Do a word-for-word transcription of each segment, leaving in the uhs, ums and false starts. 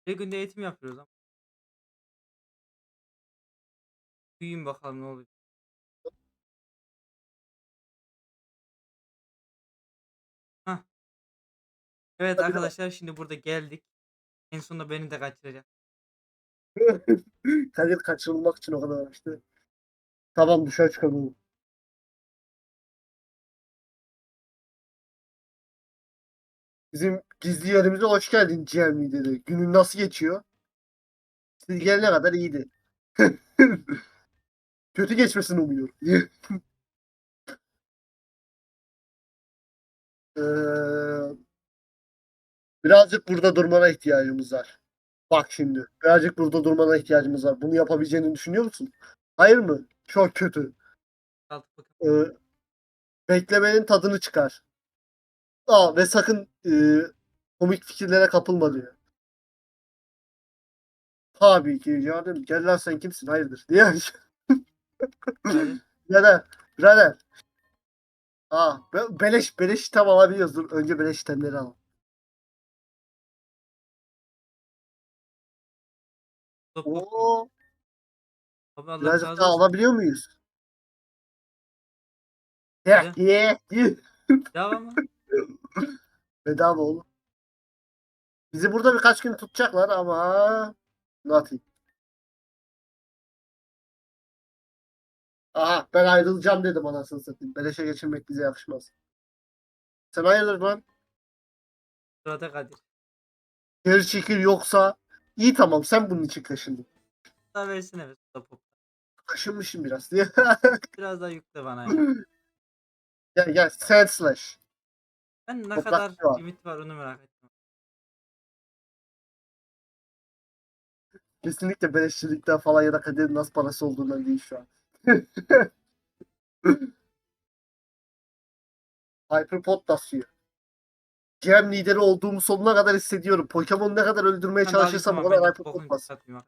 Bir günde eğitim yapıyoruz ama. Büyüyün bakalım ne oluyor. Hah. Evet Hadi lan. arkadaşlar şimdi burada geldik. En sonunda beni de kaçıracak. Kadir kaçırılmak için o kadar uğraştı. Tamam dışarı çıkalım. Bizim gizli yerimize hoş geldin G M dedi. Günün nasıl geçiyor? Siz gelene kadar iyiydi. Kötü geçmesini umuyorum. Ee, birazcık burada durmana ihtiyacımız var. Bak şimdi. Birazcık burada durmana ihtiyacımız var. Bunu yapabileceğini düşünüyor musun? Hayır mı? Çok kötü. Altı bakın. Ee, beklemenin tadını çıkar. Aa, ve sakın e, komik fikirlere kapılma diyor. Tabii ki canım. Gel lan sen kimsin? Hayırdır? Diye. Hadi. Birader. Birader. Aa, be- beleş beleş item alabiliyoruz. Dur önce beleş itemleri alalım. Stop bakayım. Oo, Abi Allah birazcık razı daha olsun. alabiliyor muyuz? Heh, Hadi. ye, ye. Devam mı? Bedava oğlum. Bizi burada birkaç gün tutacaklar ama nothing. Aha ben ayrılacağım dedim anasını satayım. Beleşe geçirmek bize yakışmaz. Sen hayırdır lan? Sırada Kadir. Geri çekil yoksa iyi tamam sen bunun için kaşındın. Daha versene be stop. Kaşınmışım biraz diye. Biraz daha yükle bana ya. Gel gel Sand Slash. Ben ne Toprak kadar var. limit var onu merak ettim. Kesinlikle beleşçilikten falan ya da kaderin nasıl parası olduğundan değil şu an. Hyperpod basıyor. G M lideri olduğumu sonuna kadar hissediyorum. Pokemon ne kadar öldürmeye Ben de alıştım çalışırsam o ama ben kadar de Hyperpod bokunu bas. satmayayım.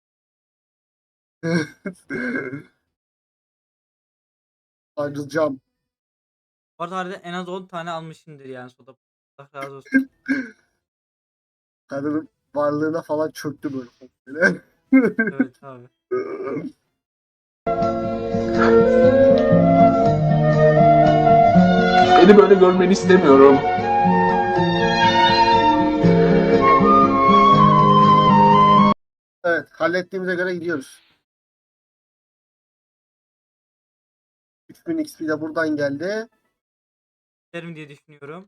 Ayrılacağım. Bu arada harbiden en az on tane almışımdır yani soda. Allah razı olsun. Kadının varlığına falan çöktü böyle. Evet abi. Beni böyle görmeni istemiyorum. Evet, hallettiğimize göre gidiyoruz. üç bin X P de buradan geldi. Derim diye düşünüyorum.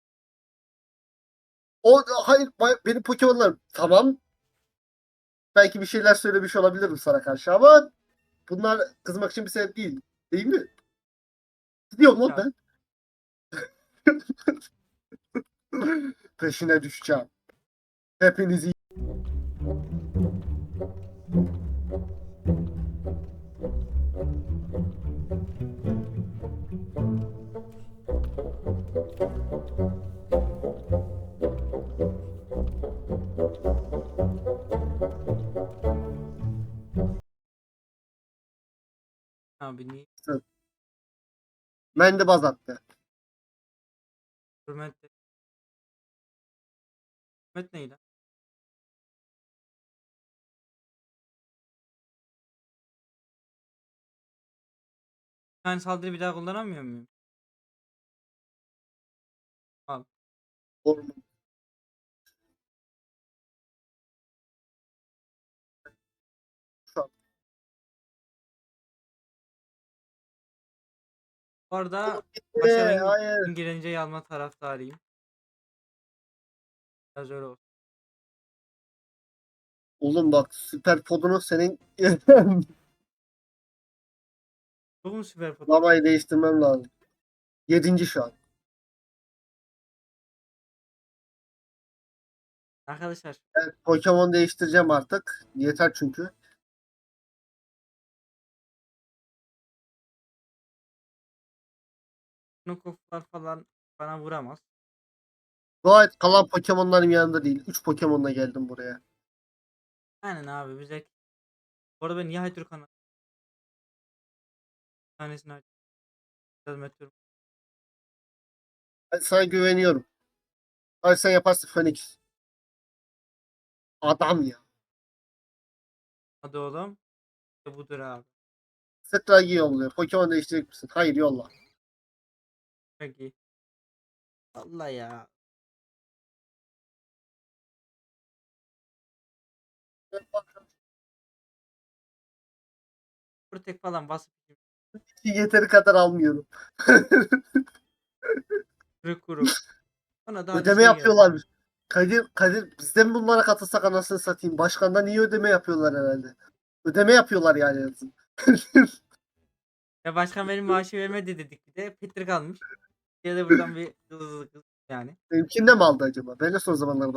O hayır bay- benim Pokemon'lar tamam. Belki bir şeyler söylemiş olabilirim sana karşı ama bunlar kızmak için bir sebep değil. Değil mi? Gidiyorum lan Ya ben. Peşine düşeceğim. Hepinizi abi niye? mendebaz attı. Hürmet. Hürmet neydi? Yani saldırı bir daha kullanamıyor muyum? Al. Doğru. Şu an. Bu Oğlum arada başa gitti. ben Hayır. İngilizceyi alma taraftarıyım. Biraz öyle olsun. Oğlum bak süper podunu senin Çok mu süper foto? Babayı değiştirmem lazım. Yedinci şu an. Arkadaşlar Evet, Pokemon değiştireceğim artık. Yeter çünkü. Knockoff'lar falan bana vuramaz. Dua et kalan Pokemon'ların yanında değil. Üç Pokemon'la geldim buraya. Aynen abi bize. Bu arada ben niye Haytürk'ün tanesini aç- yazım atıyorum. Ben sana güveniyorum. Hadi sen yaparsın Phoenix. Adam ya. Hadi oğlum. İşte budur abi. Stragi yolluyor. Pokemon değiştirecek misin? Hayır yolla. Peki. Allah ya. Protect falan basıp Yeteri kadar almıyorum. kırık kuruk. Sonra da hadi Ödeme şey geldi. yapıyorlar. Kadir, Kadir bizden bunlara katılsak anasını satayım. Başkandan iyi ödeme yapıyorlar herhalde. Ödeme yapıyorlar yani en azından. Ya başkan benim maaşı vermedi dedik bir de. Petrik almış. Ya da buradan bir hızlı kız yani. Benimkinde mi aldı acaba? Ben de son zamanlarda.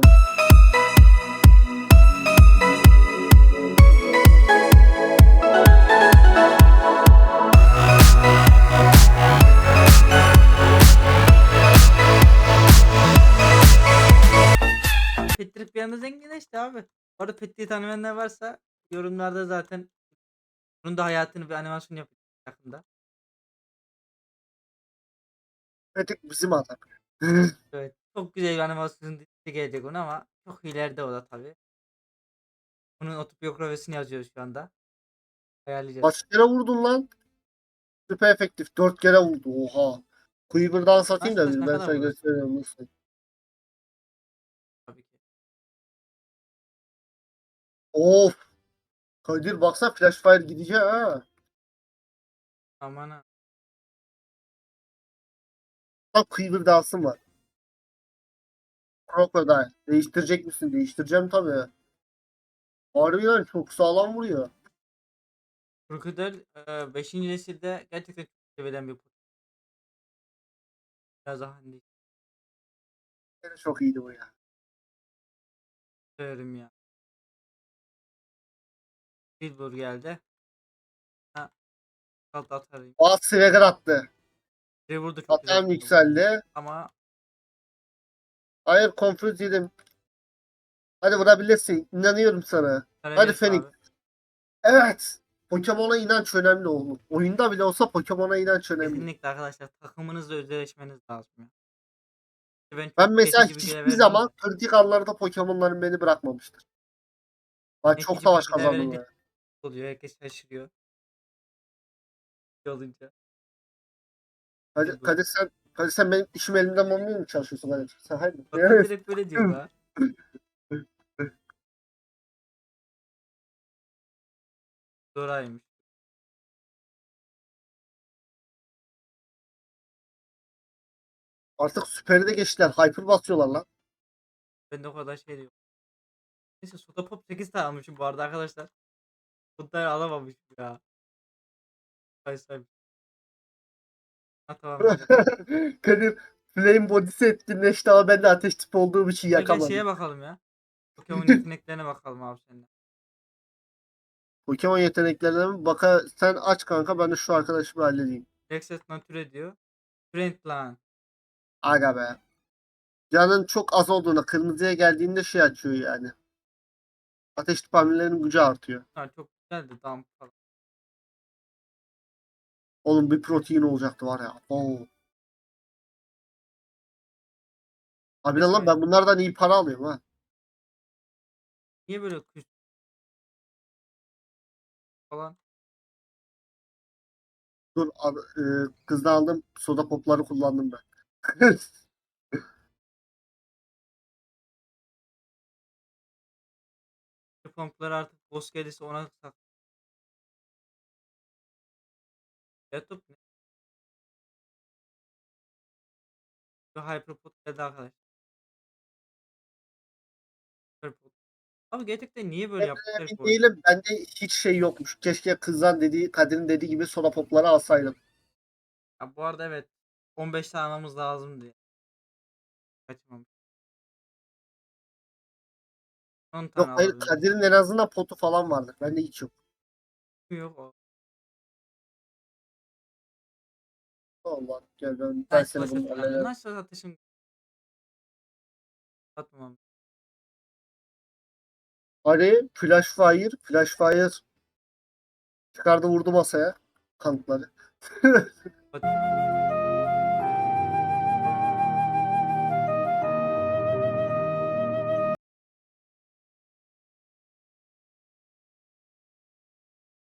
Petrik bir anda zenginleşti abi. Bu arada Petrik'i tanımayanlar varsa yorumlarda zaten bunun da hayatını bir animasyon yapacak yakında. Petek bizim adam. Evet. Çok güzel bir animasyon dizisi gelecek ona ama çok ileride o da tabii. Bunun otobiyografisini yazıyoruz şu anda. Ayarlayacağız. Kaç kere vurdun lan? Süper efektif. Dört kere vurdu. Oha. Quiver'dan satayım Kaç da kaç bir ne ben kadar sana vurur? gösteriyorum nasıl. Tabii ki. Of. Kadir baksana Flash Fire gidecek ha. Aman ha. Bak Quiver dansın var. Crocodile. Değiştirecek misin? Değiştireceğim tabii. Harbiden çok sağlam vuruyor. Crocodile beşinci nesilde gerçekten çok sevilen bir Pokemon. Biraz daha hani Yine çok iyiydi bu ya. severim ya. Silver geldi. Ha, kalt atarım. Aa Swagger attı. Trevor da çok güzel Hatam Pokemon. yükseldi. Ama Hayır Confuse yedim. Hadi vurabilirsin. İnanıyorum sana. Hadi Karagöz Phoenix. abi. Evet. Pokemon'a inanç önemli oğlum. Oyunda bile olsa Pokemon'a inanç önemli. Kesinlikle arkadaşlar takımınızla özdeşleşmeniz lazım ya. Ben Ben çok mesela geçici bilgiler hiçbir verdim zaman de. kritik anlarda Pokemon'larım beni bırakmamıştır. Ben çok Geçici savaş bilgiler kazandım verince ya. oluyor. Herkes şaşırıyor. Şey olunca. Kadir, Silver. Kadir sen Kadir sen benim işim elimden olmuyor mu çalışıyorsun Kadir? Sen hayır. Bakın direkt böyle diyor ha. Zoraymış. Artık süperi de geçtiler. Hyper basıyorlar lan. Ben de o kadar şey diyorum. Neyse Soda Pop sekiz tane almışım bu arada arkadaşlar. Bunları alamamışım ya. Say say. Ha tamam güzel. Kadir Flame body'si etkinleşti ama ben de ateş tipi olduğum için Gel gel yakamadım. şeye bakalım ya. Pokemon yeteneklerine bakalım abi seninle. Pokemon yeteneklerine mi? Baka sen aç kanka ben de şu arkadaşımı halledeyim. Rexet Nature diyor. Friend lan. Aga be. Canın çok az olduğuna kırmızıya geldiğinde şey açıyor yani. Ateş tipi hamlelerinin gücü artıyor. Ha, çok güzeldi damp falan. Oğlum bir protein olacaktı var ya. Oo. Abi lan Keşke. ben bunlardan iyi para alıyorum ha. Niye böyle küs falan? Dur al- e, kızdan aldım soda popları kullandım ben. Pompları artık boss gelirse ona sak. YouTube ne? Bir Hyperpod geldi arkadaşlar. Hyperpod. Abi gerçekten niye böyle yapmışlar ki Emin oyunu? değilim. Bende hiç şey yokmuş. Keşke kızdan dediği, Kadir'in dediği gibi soda popları alsaydım. Ya bu arada evet. on beş tane almamız lazımdı ya. Kaçmamış. on Yok tane hayır alabildik. Kadir'in en azından potu falan vardır. Bende hiç yok. Yok o. Allah gel ben, ben Nice seni Flash bunu önemli. hallederim. Nice Flash atışım. Atmam. Hadi Flash Fire. Flash Fire çıkardı vurdu masaya. Kanıtları. Hadi.